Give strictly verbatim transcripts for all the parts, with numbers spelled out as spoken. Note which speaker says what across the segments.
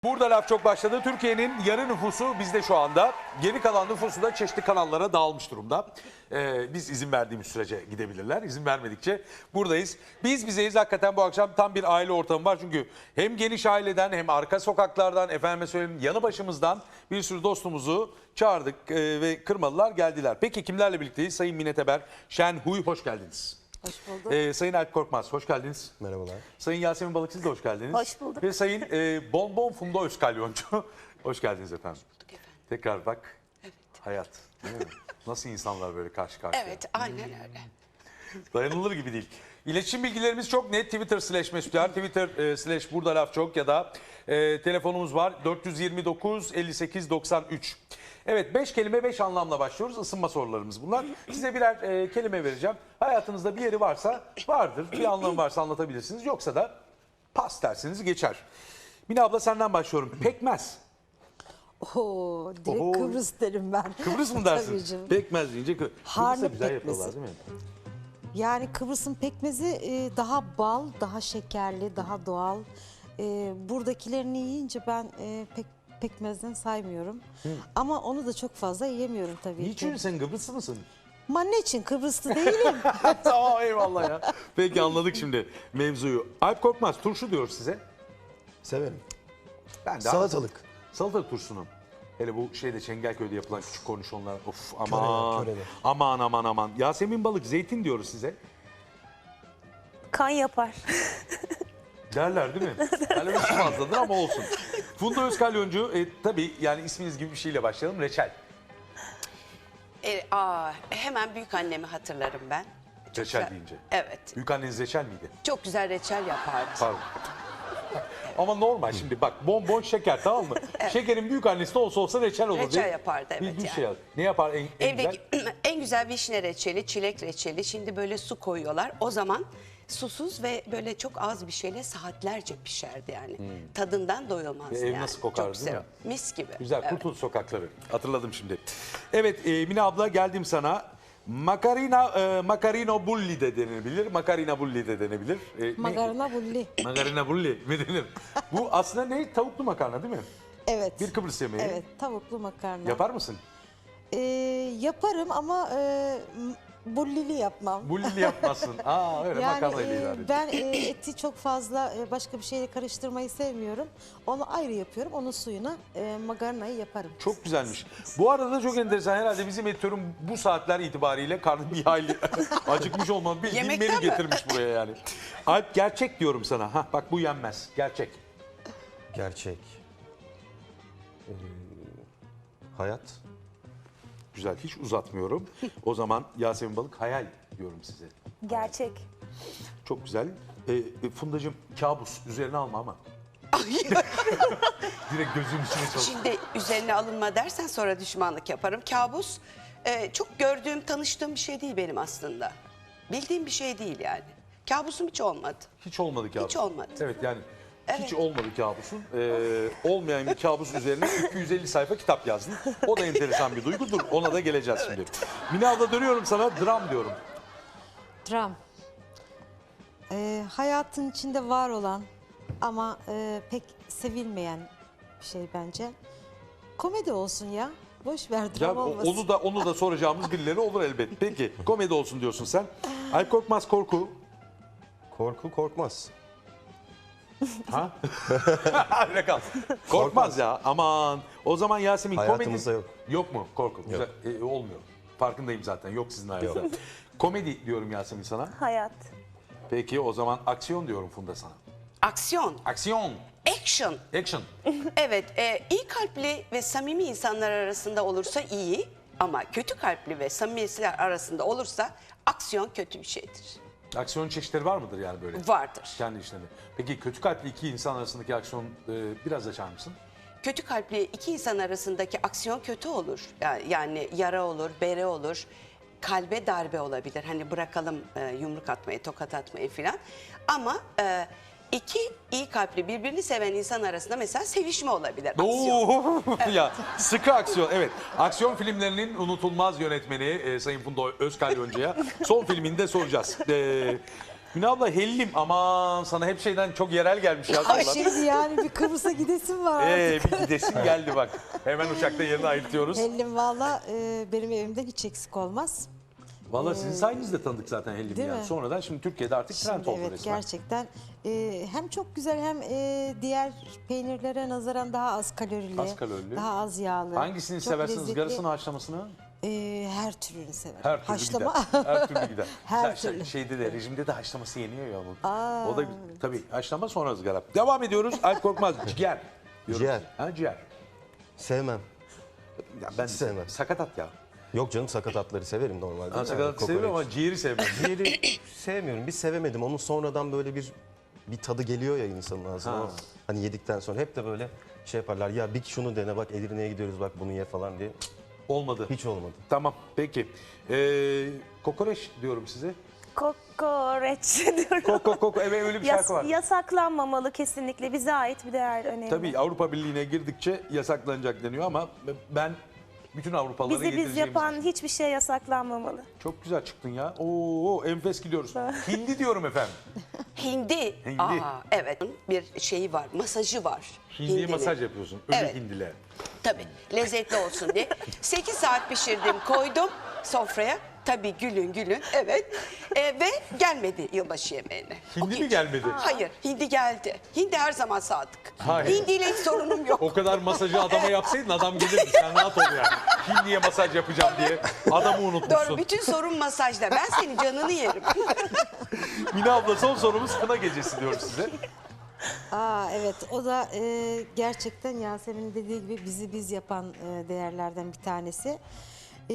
Speaker 1: Burada laf çok başladı. Türkiye'nin yarı nüfusu bizde şu anda. Geri kalan nüfusu da çeşitli kanallara dağılmış durumda. Ee, biz izin verdiğimiz sürece gidebilirler. İzin vermedikçe buradayız. Biz bizeyiz. Hakikaten bu akşam tam bir aile ortamı var. Çünkü hem geniş aileden hem arka sokaklardan, efendime söyleyeyim yanı başımızdan bir sürü dostumuzu çağırdık e, ve kırmadılar, geldiler. Peki kimlerle birlikteyiz? Sayın Mine Teber, Şen Huy, hoş geldiniz.
Speaker 2: Hoş bulduk.
Speaker 1: Ee, Sayın Alp Korkmaz, hoş geldiniz.
Speaker 3: Merhabalar.
Speaker 1: Sayın Yasemin Balık, siz de hoş geldiniz.
Speaker 2: Hoş bulduk.
Speaker 1: Ve Sayın e, Bonbon Funda Özkalyoncu, hoş geldiniz efendim.
Speaker 4: Hoş bulduk efendim.
Speaker 1: Tekrar bak,
Speaker 4: Evet.
Speaker 1: hayat değil mi? Nasıl insanlar böyle karşı karşıya?
Speaker 4: Evet, aynen öyle.
Speaker 1: Dayanılır gibi değil. İletişim bilgilerimiz çok net. Twitter slash Mesutlar, Twitter e, slash Burada Laf Çok ya da e, telefonumuz var dört yüz yirmi dokuz elli sekiz doksan üç. Evet, beş kelime beş anlamla başlıyoruz. Isınma sorularımız bunlar. Size birer e, kelime vereceğim. Hayatınızda bir yeri varsa vardır. Bir anlamı varsa anlatabilirsiniz. Yoksa da pas dersiniz geçer. Mine abla senden başlıyorum. Pekmez.
Speaker 2: Oo, direkt
Speaker 1: Oho.
Speaker 2: Kıbrıs derim ben.
Speaker 1: Kıbrıs mı
Speaker 2: Tabii
Speaker 1: dersin?
Speaker 2: canım.
Speaker 1: Pekmez deyince Kı- Kıbrıs'ta
Speaker 2: Harnip
Speaker 1: güzel
Speaker 2: pekmezi.
Speaker 1: yapıyorlar değil mi?
Speaker 2: Yani Kıbrıs'ın pekmezi e, daha bal, daha şekerli, daha doğal. E, buradakilerini yiyince ben e, pek pekmezden saymıyorum. Ama onu da çok fazla yiyemiyorum tabii
Speaker 1: Niçin
Speaker 2: ki.
Speaker 1: sen Kıbrıslı mısın?
Speaker 2: Ama ne için Kıbrıslı değilim.
Speaker 1: Tamam, eyvallah ya. Peki, anladık şimdi mevzuyu. Alp Korkmaz, turşu diyor size.
Speaker 3: Severim.
Speaker 1: Ben de
Speaker 3: Salatalık.
Speaker 1: Salatalık turşusunu. Hele bu şeyde Çengelköy'de yapılan küçük kornişonlar. Of aman.
Speaker 3: Körede, körede.
Speaker 1: Aman aman aman. Yasemin Balık, zeytin diyoruz size.
Speaker 5: Kan yapar.
Speaker 1: Derler değil mi? Yani üç fazladır ama olsun. Funda Özkalyoncu, e, tabii yani isminiz gibi bir şeyle başlayalım. Reçel.
Speaker 4: E, aa, hemen büyük annemi hatırlarım ben. Çok
Speaker 1: Reçel
Speaker 4: güzel-
Speaker 1: deyince.
Speaker 4: Evet.
Speaker 1: Büyük anneniz reçel miydi?
Speaker 4: Çok güzel reçel yapardı.
Speaker 1: Pardon. Ama normal şimdi bak, bonbon şeker, tamam mı? Şekerin büyük annesi de olsa olsa reçel olur.
Speaker 4: Reçel
Speaker 1: değil mi?
Speaker 4: yapardı, evet
Speaker 1: Bir, bir
Speaker 4: yani.
Speaker 1: şey yap. Ne yapar en, en güzel?
Speaker 4: Evdeki en güzel vişne reçeli, çilek reçeli. Şimdi böyle su koyuyorlar. O zaman susuz ve böyle çok az bir şeyle saatlerce pişerdi yani. Tadından doyulmaz
Speaker 1: Ve ev
Speaker 4: yani.
Speaker 1: nasıl kokardı,
Speaker 4: Çok güzel.
Speaker 1: değil mi?
Speaker 4: Mis gibi.
Speaker 1: Güzel,
Speaker 4: Evet.
Speaker 1: Kurtuluş sokakları. Hatırladım şimdi. Evet, e, Mine abla, geldim sana. Makarina, e, makarino bulli de denebilir. Makarina bulli de denebilir. E, ne?
Speaker 2: Makarna bulli.
Speaker 1: Makarina bulli mi denir? Bu aslında ne? Tavuklu makarna değil mi?
Speaker 2: Evet.
Speaker 1: Bir Kıbrıs yemeği.
Speaker 2: Evet, tavuklu makarna.
Speaker 1: Yapar mısın?
Speaker 2: E, yaparım ama e, m- bullili yapmam.
Speaker 1: Bullili yapmazsın. Aa, öyle
Speaker 2: Yani
Speaker 1: makarnayla
Speaker 2: e,
Speaker 1: idare ediyor.
Speaker 2: ben e, eti çok fazla e, başka bir şeyle karıştırmayı sevmiyorum. Onu ayrı yapıyorum. Onun suyuna e, makarnayı yaparım.
Speaker 1: Çok güzelmiş. Bu arada da çok enteresan. Herhalde bizim editörüm bu saatler itibariyle karnı bir hayli acıkmış olmalı. Bir
Speaker 4: Yemekten
Speaker 1: menü
Speaker 4: mi?
Speaker 1: getirmiş buraya yani. Alp, gerçek diyorum sana. Hah, bak bu yenmez. Gerçek.
Speaker 3: Gerçek. Ee, hayat.
Speaker 1: Güzel, hiç uzatmıyorum. O zaman Yasemin Balık, hayal diyorum size.
Speaker 5: Gerçek.
Speaker 1: Çok güzel. E, e, Fundacığım, kabus üzerine alma ama. Direkt gözümün içine çalış.
Speaker 4: Şimdi üzerine alınma dersen sonra düşmanlık yaparım. Kabus e, çok gördüğüm, tanıştığım bir şey değil benim aslında. Bildiğim bir şey değil yani. Kabusum hiç olmadı.
Speaker 1: Hiç olmadı kabus.
Speaker 4: Hiç olmadı.
Speaker 1: Evet yani hiç
Speaker 4: Evet.
Speaker 1: olmadı kabusun. Ee, olmayan bir kabus üzerine iki yüz elli sayfa kitap yazdın. O da enteresan bir duygudur. Ona da geleceğiz şimdi. Mine abla, dönüyorum sana. Dram diyorum.
Speaker 2: Dram. Ee, hayatın içinde var olan ama e, pek sevilmeyen bir şey bence. Komedi olsun ya. Boş ver,
Speaker 1: Ya
Speaker 2: dram olmasın.
Speaker 1: onu da onu da soracağımız birileri olur elbet. Peki, komedi olsun diyorsun sen. Alp Korkmaz, korku.
Speaker 3: Korku korkmaz.
Speaker 1: Ha? Öyle kal. Korkmaz ya. Aman. O zaman Yasemin,
Speaker 3: Hayatımızda
Speaker 1: komedi...
Speaker 3: yok.
Speaker 1: Yok mu korku? Güzel. E, olmuyor. Farkındayım zaten. Yok sizin hayatınızda. Komedi diyorum Yasemin sana.
Speaker 5: Hayat.
Speaker 1: Peki, o zaman aksiyon diyorum Funda sana.
Speaker 4: Aksiyon,
Speaker 1: Aksiyon.
Speaker 4: action.
Speaker 1: Action.
Speaker 4: Evet, e, iyi kalpli ve samimi insanlar arasında olursa iyi ama kötü kalpli ve samimiyetler arasında olursa aksiyon kötü bir şeydir.
Speaker 1: Aksiyon çeşitleri var mıdır yani böyle?
Speaker 4: Vardır.
Speaker 1: Kendi işlerinde. Peki kötü kalpli iki insan arasındaki aksiyon e, biraz açar mısın?
Speaker 4: Kötü kalpli iki insan arasındaki aksiyon kötü olur. Yani, yani yara olur, bere olur, kalbe darbe olabilir. Hani bırakalım e, yumruk atmayı, tokat atmayı filan. Ama e, iki iyi kalpli birbirini seven insan arasında mesela sevişme olabilir. Aksiyon.
Speaker 1: Oo, ya sıkı aksiyon. Evet. Aksiyon filmlerinin unutulmaz yönetmeni e, Sayın Funda Özkalyoncu'ya son filmini de soracağız. E, Mine abla hellim. Aman sana hep şeyden çok yerel gelmiş ya.
Speaker 2: Ay
Speaker 1: sorular.
Speaker 2: şimdi yani bir Kıbrıs'a gidesim var artık.
Speaker 1: Ee, bir gidesin geldi bak. Hemen uçakta yerini ayırtıyoruz.
Speaker 2: Hellim valla e, benim evimden hiç eksik olmaz.
Speaker 1: Valla sizin sayenizde tanıdık zaten hellim
Speaker 2: Değil
Speaker 1: yani.
Speaker 2: mi?
Speaker 1: Sonradan şimdi Türkiye'de artık trend
Speaker 2: Şimdi
Speaker 1: oldu
Speaker 2: evet
Speaker 1: resmen.
Speaker 2: gerçekten e, hem çok güzel hem e, diğer peynirlere nazaran daha az kalorili.
Speaker 1: Az kalorili.
Speaker 2: Daha az yağlı.
Speaker 1: Hangisini
Speaker 2: çok
Speaker 1: seversiniz?
Speaker 2: lezzetli.
Speaker 1: Garısını, haşlamasını?
Speaker 2: E, her türünü severim.
Speaker 1: Her türlü
Speaker 2: Haşlama.
Speaker 1: gider. Her türlü gider.
Speaker 2: Her
Speaker 1: Sen- sen
Speaker 2: türlü.
Speaker 1: Şeyde de rejimde de haşlaması yeniyor ya bu.
Speaker 2: Aa,
Speaker 1: O da tabii haşlama sonra ızgara. Devam ediyoruz. Alp Korkmaz ciğer. diyoruz.
Speaker 3: Ciğer.
Speaker 1: Ha ciğer.
Speaker 3: Sevmem.
Speaker 1: Ya ben
Speaker 3: Hiç sevmem.
Speaker 1: sakatat ya.
Speaker 3: Yok canım, sakatatları severim normalde.
Speaker 1: Ben
Speaker 3: Yani
Speaker 1: sakatatı
Speaker 3: kokoreç.
Speaker 1: seviyorum ama ciğeri sevmem.
Speaker 3: Ciğeri sevmiyorum. Bir sevemedim. Onun sonradan böyle bir bir tadı geliyor ya insanın ağzına.
Speaker 1: Ha.
Speaker 3: Hani yedikten sonra hep de böyle şey yaparlar. Ya bir şunu dene bak, Edirne'ye gidiyoruz bak bunu ye falan diye.
Speaker 1: Olmadı.
Speaker 3: Hiç olmadı.
Speaker 1: Tamam peki. Ee, kokoreç diyorum size.
Speaker 5: Kokoreç diyorum.
Speaker 1: Koko koko evet öyle bir
Speaker 5: Yas-
Speaker 1: şarkı var.
Speaker 5: yasaklanmamalı kesinlikle. Bize ait bir değer önemli.
Speaker 1: Tabii Avrupa Birliği'ne girdikçe yasaklanacak deniyor ama ben bütün Avrupalılara
Speaker 5: Bizi biz
Speaker 1: yedireceğimizi
Speaker 5: yapan hiçbir şey yasaklanmamalı.
Speaker 1: Çok güzel çıktın ya. Oo enfes gidiyoruz. Hindi diyorum efendim.
Speaker 4: Hindi.
Speaker 1: Hindi.
Speaker 4: Aa, evet. Bir şeyi var, masajı var.
Speaker 1: Hindiye
Speaker 4: Hindinin.
Speaker 1: masaj yapıyorsun. Ölü
Speaker 4: Evet.
Speaker 1: hindile.
Speaker 4: Tabii lezzetli olsun diye. sekiz saat pişirdim, koydum sofraya. Tabii gülün gülün, evet. Ee, ve gelmedi yılbaşı yemeğine. O
Speaker 1: Hindi mi
Speaker 4: gece.
Speaker 1: gelmedi?
Speaker 4: Hayır, hindi geldi. Hindi her zaman sadık.
Speaker 1: Hayır.
Speaker 4: Hindiyle hiç sorunum yok.
Speaker 1: O kadar masajı adama yapsaydın adam gelirdi. Sen rahat ol yani. Hindiye masaj yapacağım diye adamı unutmuşsun.
Speaker 4: Doğru, bütün sorun masajda. Ben senin canını yerim.
Speaker 1: Mine abla son sorumuz kına gecesi diyoruz size.
Speaker 2: Aa, evet o da e, gerçekten Yasemin'in dediği gibi bizi biz yapan e, değerlerden bir tanesi. E,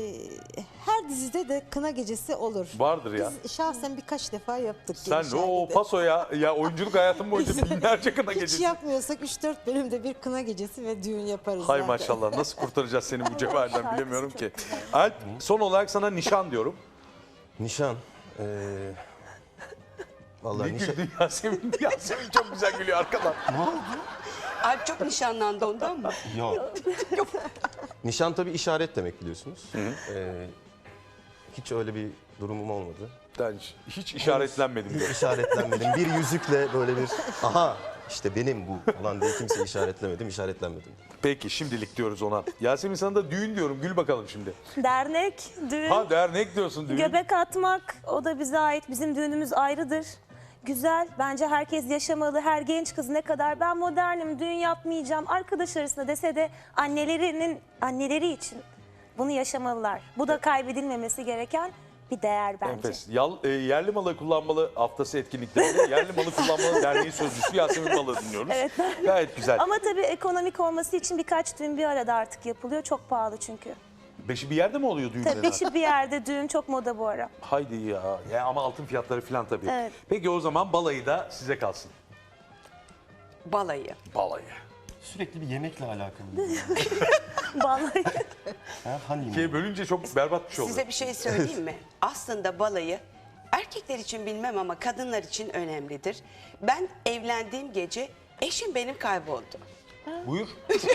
Speaker 2: her dizide de kına gecesi olur.
Speaker 1: Vardır ya.
Speaker 2: Biz şahsen birkaç defa yaptık.
Speaker 1: Sen
Speaker 2: geniş
Speaker 1: de o
Speaker 2: ailede.
Speaker 1: pasoya ya oyunculuk hayatım boyunca binlerce kına
Speaker 2: Hiç
Speaker 1: gecesi.
Speaker 2: yapmıyorsak üç dört bölümde bir kına gecesi ve düğün yaparız
Speaker 1: Hay
Speaker 2: zaten.
Speaker 1: maşallah nasıl kurtaracağız seni bu cevherden
Speaker 5: şarkısı
Speaker 1: bilemiyorum
Speaker 5: çok
Speaker 1: ki. Alp son olarak sana nişan diyorum.
Speaker 3: Nişan. Ee, vallahi
Speaker 1: Ne
Speaker 3: nişan.
Speaker 1: güldü Yasemin? Yasemin çok güzel gülüyor arkadan.
Speaker 4: Alp çok nişanlandı ondan mı?
Speaker 3: Yok. Nişan tabii işaret demek biliyorsunuz. Ee, hiç öyle bir durumum olmadı.
Speaker 1: Ben hiç- hiç işaretlenmedim diyor.
Speaker 3: İşaretlenmedim. Bir yüzükle böyle bir aha işte benim bu falan diye kimse işaretlemedim, işaretlenmedim.
Speaker 1: Peki şimdilik diyoruz ona. Yasemin sana da düğün diyorum. Gül bakalım şimdi.
Speaker 5: Dernek, düğün,
Speaker 1: Ha dernek diyorsun düğün.
Speaker 5: göbek atmak o da bize ait. Bizim düğünümüz ayrıdır. Güzel. Bence herkes yaşamalı. Her genç kız ne kadar ben modernim, düğün yapmayacağım arkadaş arasında dese de annelerinin anneleri için bunu yaşamalılar. Bu da kaybedilmemesi gereken bir değer bence.
Speaker 1: Enfes. Yal, e, yerli malı kullanmalı haftası etkinliklerinde yerli malı kullanmalı derneği sözcüsü Yasemin Malı dinliyoruz.
Speaker 5: Evet.
Speaker 1: Gayet güzel.
Speaker 5: Ama tabii ekonomik olması için birkaç düğün bir arada artık yapılıyor. Çok pahalı çünkü.
Speaker 1: Beşi bir yerde mi oluyor düğünler?
Speaker 5: Tabii beşi bir yerde düğün çok moda bu ara.
Speaker 1: Haydi ya. ya. Ama altın fiyatları falan tabii.
Speaker 5: Evet.
Speaker 1: Peki o zaman balayı da size kalsın.
Speaker 4: Balayı.
Speaker 1: Balayı.
Speaker 3: Sürekli bir yemekle alakalı.
Speaker 5: Vallahi.
Speaker 3: Ha, hani
Speaker 1: Ki bölünce çok berbat bir şey oldu.
Speaker 4: Size bir şey söyleyeyim mi? Aslında balayı erkekler için bilmem ama kadınlar için önemlidir. Ben evlendiğim gece eşim benim kayboldu.
Speaker 1: Buyur.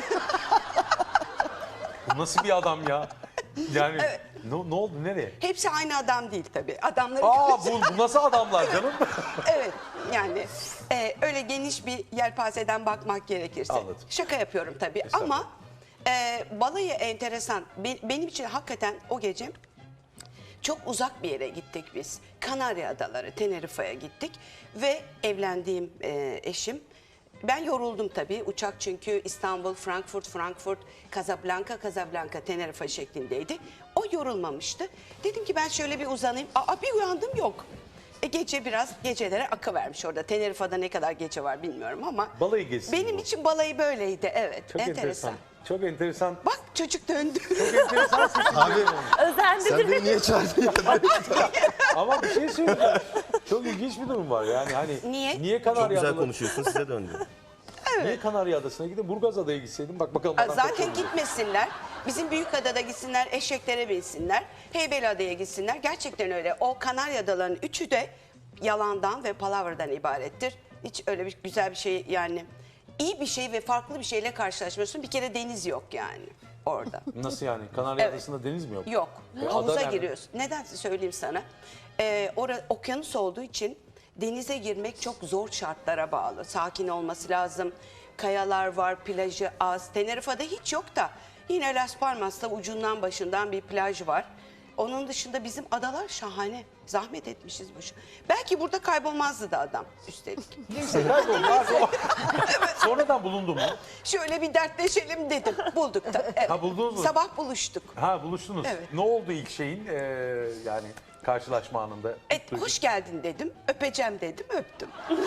Speaker 1: Bu nasıl bir adam ya? Yani ne, ne oldu nereye?
Speaker 4: Hepsi aynı adam değil tabii. Adamları
Speaker 1: Aa bu, bu nasıl adamlar canım?
Speaker 4: evet yani e, öyle geniş bir yelpazeden bakmak gerekirse.
Speaker 1: Anladım.
Speaker 4: Şaka yapıyorum tabii
Speaker 1: Estağfurullah.
Speaker 4: ama e, balayı enteresan. Be- benim için hakikaten o gece çok uzak bir yere gittik biz. Kanarya Adaları, Tenerife'ye gittik ve evlendiğim e, eşim. Ben yoruldum tabii. Uçak çünkü İstanbul, Frankfurt, Frankfurt, Casablanca, Casablanca, Tenerife şeklindeydi. O yorulmamıştı. Dedim ki ben şöyle bir uzanayım. Aa bir uyandım yok. E, gece biraz gecelere akı vermiş orada. Tenerife'de ne kadar gece var bilmiyorum ama.
Speaker 1: Balayı gezisi
Speaker 4: Benim
Speaker 1: bu.
Speaker 4: için balayı böyleydi evet.
Speaker 1: Çok enteresan. Çok enteresan.
Speaker 4: Bak çocuk döndü.
Speaker 1: Çok enteresan seçim.
Speaker 3: Abi
Speaker 5: Özendi
Speaker 3: sen beni niye çağırdın ya?
Speaker 1: Ama bir şey söyleyeceğim. Çok ilginç bir durum var. Yani hani
Speaker 4: Niye?
Speaker 1: Niye
Speaker 3: Çok
Speaker 1: Kanarya
Speaker 3: güzel
Speaker 1: Adaları?
Speaker 3: konuşuyorsun, size döndü.
Speaker 1: Niye Kanarya Adası'na gidin? Burgaz Adaya gitseydin. Bak bakalım.
Speaker 4: Aa,
Speaker 1: adam
Speaker 4: Zaten
Speaker 1: kaç oldu?
Speaker 4: gitmesinler. Bizim Büyükada'da gitsinler, eşeklere binsinler. Heybeliada'ya gitsinler. Gerçekten öyle. O Kanarya Adaları'nın üçü de yalandan ve palavradan ibarettir. Hiç öyle bir güzel bir şey yani iyi bir şey ve farklı bir şeyle karşılaşmıyorsun. Bir kere deniz yok yani orada.
Speaker 1: Nasıl yani? Kanarya
Speaker 4: Evet.
Speaker 1: Adası'nda deniz mi yok?
Speaker 4: Yok.
Speaker 1: E, ada
Speaker 4: Havuza
Speaker 1: nerede?
Speaker 4: giriyorsun. Neden söyleyeyim sana? e, ora, okyanus olduğu için denize girmek çok zor şartlara bağlı. Sakin olması lazım. Kayalar var, plajı az. Tenerife'de hiç yok da yine Las Palmas'ta ucundan başından bir plaj var. Onun dışında bizim adalar şahane. Zahmet etmişiz boşu. Belki burada kaybolmazdı da adam üstelik.
Speaker 1: Neyse kaybolmaz o. Sonradan bulundu mu?
Speaker 4: Şöyle bir dertleşelim dedim. Bulduk da. Evet.
Speaker 1: Ha, buldunuz mu?
Speaker 4: Sabah buluştuk.
Speaker 1: Ha buluştunuz.
Speaker 4: Evet.
Speaker 1: Ne oldu ilk şeyin ee, yani karşılaşma anında?
Speaker 4: Et, hoş geldin dedim. Öpeceğim dedim. Öptüm.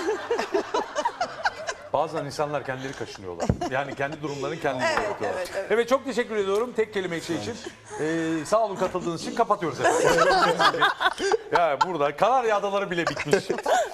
Speaker 1: Bazen insanlar kendileri kaşınıyorlar. Yani kendi durumlarını kendileri
Speaker 4: Evet,
Speaker 1: yapıyorlar.
Speaker 4: evet, evet.
Speaker 1: Evet çok teşekkür ediyorum tek kelime şey için. Ee, sağ olun katıldığınız için kapatıyoruz efendim. Ya burada Kanarya Adaları bile bitmiş.